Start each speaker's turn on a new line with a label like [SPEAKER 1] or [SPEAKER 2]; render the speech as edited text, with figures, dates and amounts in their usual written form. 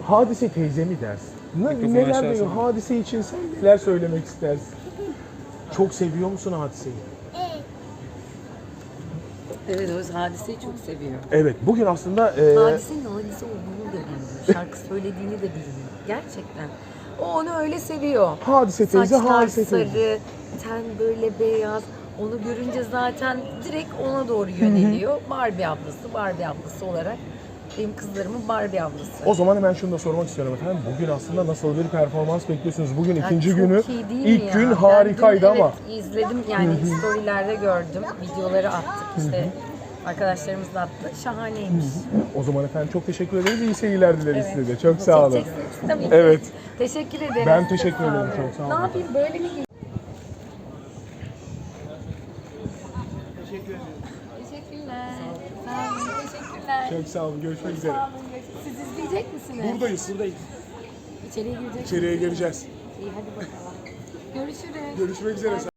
[SPEAKER 1] Hadise teyze mi dersin? Neler diyor? Hadise için sen neler söylemek istersin? Çok seviyor musun Hadise'yi?
[SPEAKER 2] Evet, o Hadise'yi çok seviyor.
[SPEAKER 1] Evet, bugün aslında...
[SPEAKER 2] Hadise'nin Hadise olduğunu da bilmiyor. Şarkı söylediğini de bilmiyor. Gerçekten. O onu öyle seviyor.
[SPEAKER 1] Hadise teyze,
[SPEAKER 2] Saçlar
[SPEAKER 1] Hadise teyze.
[SPEAKER 2] sarı, ten böyle beyaz. Onu görünce zaten direkt ona doğru yöneliyor. Barbie ablası olarak benim kızlarımın Barbie ablası.
[SPEAKER 1] O zaman hemen şunu da sormak istiyorum efendim. Bugün aslında nasıl bir performans bekliyorsunuz? Bugün ikinci
[SPEAKER 2] çok
[SPEAKER 1] günü.
[SPEAKER 2] iyi değil mi
[SPEAKER 1] İlk
[SPEAKER 2] ya?
[SPEAKER 1] gün
[SPEAKER 2] Ben
[SPEAKER 1] harikaydı
[SPEAKER 2] dün,
[SPEAKER 1] ama.
[SPEAKER 2] Evet, izledim yani storylerde gördüm. Videoları attık işte. Arkadaşlarımız da attı. Şahaneymiş.
[SPEAKER 1] O zaman efendim çok teşekkür ederiz. İyi seyirler dileriz
[SPEAKER 2] Evet.
[SPEAKER 1] size de. Çok sağ olun.
[SPEAKER 2] Çekeceksiniz tabii ki.
[SPEAKER 1] Evet.
[SPEAKER 2] Teşekkür ederim.
[SPEAKER 1] Ben teşekkür
[SPEAKER 2] Çok sağ
[SPEAKER 1] ederim,
[SPEAKER 2] olun.
[SPEAKER 1] çok sağ olun.
[SPEAKER 2] Ne yapayım böyle mi giyeyim? Teşekkürler. Sağ olun. Teşekkürler.
[SPEAKER 1] Çok sağ olun. Görüşmek üzere.
[SPEAKER 2] Sağ olun. Siz izleyecek misiniz?
[SPEAKER 1] Buradayız.
[SPEAKER 2] İçeriye girecek
[SPEAKER 1] İçeriye gireceğiz.
[SPEAKER 2] İyi hadi bakalım. Görüşürüz.
[SPEAKER 1] Görüşmek üzere.